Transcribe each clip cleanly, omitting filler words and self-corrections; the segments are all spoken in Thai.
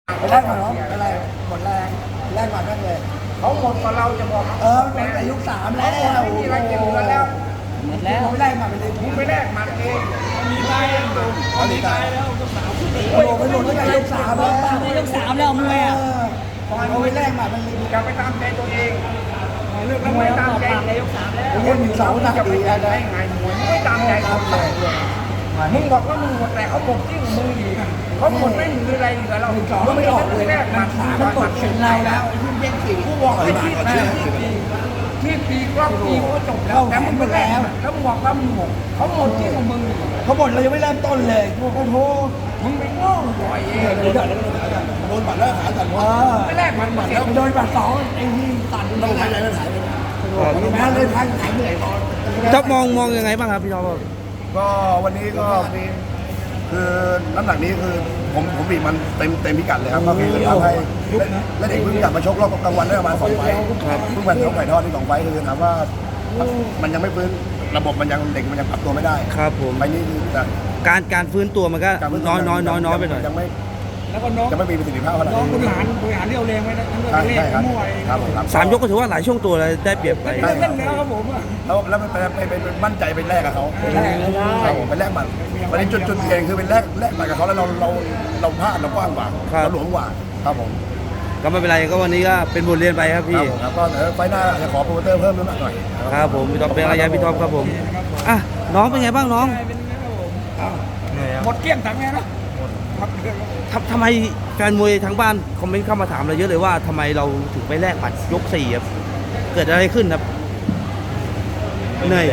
ไปแรกก่อนเนาะอะไรหมดแรงแรกก่อนนั่นเลยเขาหมดกว่าเราจะบอกมันแต่ยุค3แล้วไม่มีอะไรเกี่ยวกันแล้วหมดแล้วผมแรกมาเป็นเลยมึงไปแลกมันเองมีตายแล้วดีตายแล้วโอ้โหไปหลุดตั้งแต่ยุค3แล้วในยกสามแล้วมวยอ่ะเอาไปแรกมาเป็นเลยอย่าไปตามใจตัวเองเลือกแล้วไม่ตามใจในยกสามแล้วเล่นอยู่เสาหนักจะไปดีตาแล้มวใจไงมวยไม่ตามใจเขามึงบอกว่ามึงหมดแต่เขาหมดที่มึงอีกเขาหมดไม่มีอะไรเหลือเรา 2ไม่ออกเลยแลกมัมัน นตกเข็นเราแล้วไอ้ที่เย็นสี่กูบอกให้ที่ปีก็ปีก็จบแล้วแต่มึงไปแลกแล้วมึงบอกว่ามึงหมดเขาหมดที่ของมึงเขาบ่นเรายังไม่เริ่มต้นเลยโอ้โหมึงไปโง่บ่อยเองโดนบัตรแล้วหายตัดว่าไม่แลกมันหมดแล้วโดนบัตร2ไอ้ที่ตัดต้องหายแล้วหายไปแม้เลยพังหายเหนื่อยพี่ท็อปมองยังไงบ้างครับพี่ท็อปก็วันนี้ก็คือน้ำหนักนี้คือผมบีบมันเต็มพิกัดเลยครับก็คือทำให้และเด็กเพิ่งกลับมาชกรอบกลางวันได้ประมาณ2 ไฟล์เพิ่งมาชกไก่ทอดที่2 ไฟล์คือถามว่ามันยังไม่ฟื้นระบบมันยังเด็กมันยังปรับตัวไม่ได้ครับผมไฟล์นี้คือแต่การฟื้นตัวมันก็การฟื้น้อยไปหน่อยยังไม่แล้วก็น้องจะไม่มีประสิทธิภาพเท่าไหร่น้องบริหารเรี่ยวแรงไว้นะทั้งเรื่องใช่เล่นใช่ครับมั่วเองครับผมครับ 3 ยกก็ถือว่าหลายช่วงตัวเลยได้เปรียบไปเล่นแล้วครับผมอ่ะแล้วไปมั่นใจไปแลกกับเขาครับผมไปแลกมันวันนี้จุดเองคือเป็นแลกมันกับเขาแล้วเราพลาดเรากว้างกว่าเราหลวมกว่าครับผมก็ไม่เป็นไรก็วันนี้ก็เป็นบทเรียนไปครับพี่ครับก็เดี๋ยวไฟล์หน้าจะขอโปรโมเตอร์เพิ่มน้ำหนักหน่อยครับผมพี่ท็อปเป็นอะไรยะพี่ท็อปครับผมอ่ะน้องเป็นไงบ้างน้องหมดเกลี้ยงถังไงนะหมดเกลี้ยงทำไมแฟนมวยทั้งบ้านคอมเมนต์เข้ามาถามเราเยอะเลยว่าทำไมเราถึงไปแลกบัตรยก4ครับเกิดอะไรขึ้นครับเหนื่อย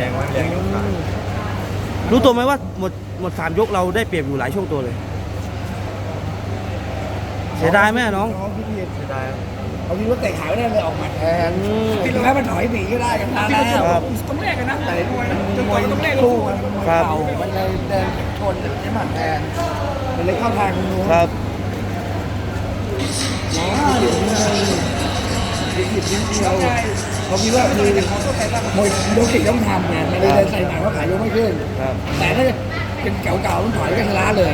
รู้ตัวไหมว่าหมด3 ยกเราได้เปรียบอยู่หลายช่วงตัวเลยเสียดายไหมน้องเขาคิดว่าเตะขายไม่ได้เลยออกมาแทนถึงแม้มันถอยหนีก็ได้กันแล้วต้องแลกกันนะแต่มวยจนกมวว่าย ต้องแลกสู้สู้มันมวยเก่ามันเลยเดินชนใช้หมัดแทนมันเลยเข้าทางนู้นครับเดี๋ยวนี้ผิดนิดเดียวเขาคิดว่าคือมวยยกสี่ต้องทำไงไม่ได้เดินใส่หนังเขาขายยกไม่ขึ้นครับแต่ถ้าเป็นเก่าๆมันถอยก็ชนะเลย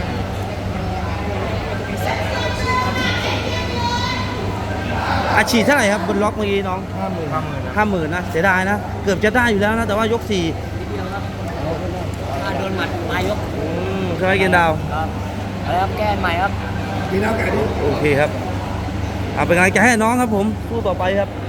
อาชีพเท่าไหร่ครับบนล็อกเมื่อกี้น้อง 50,000นะเสียดายนะเกือบจะได้อยู่แล้วนะแต่ว่ายก4 โดนหมัดปลายยกใช่ไหมเกณฑ์ดาวครับแล้วแก้ใหม่ครับมีน้ำไก่ดิโอเคครับเอาเป็นกำลังใจให้น้องครับผมสู้ต่อไปครับ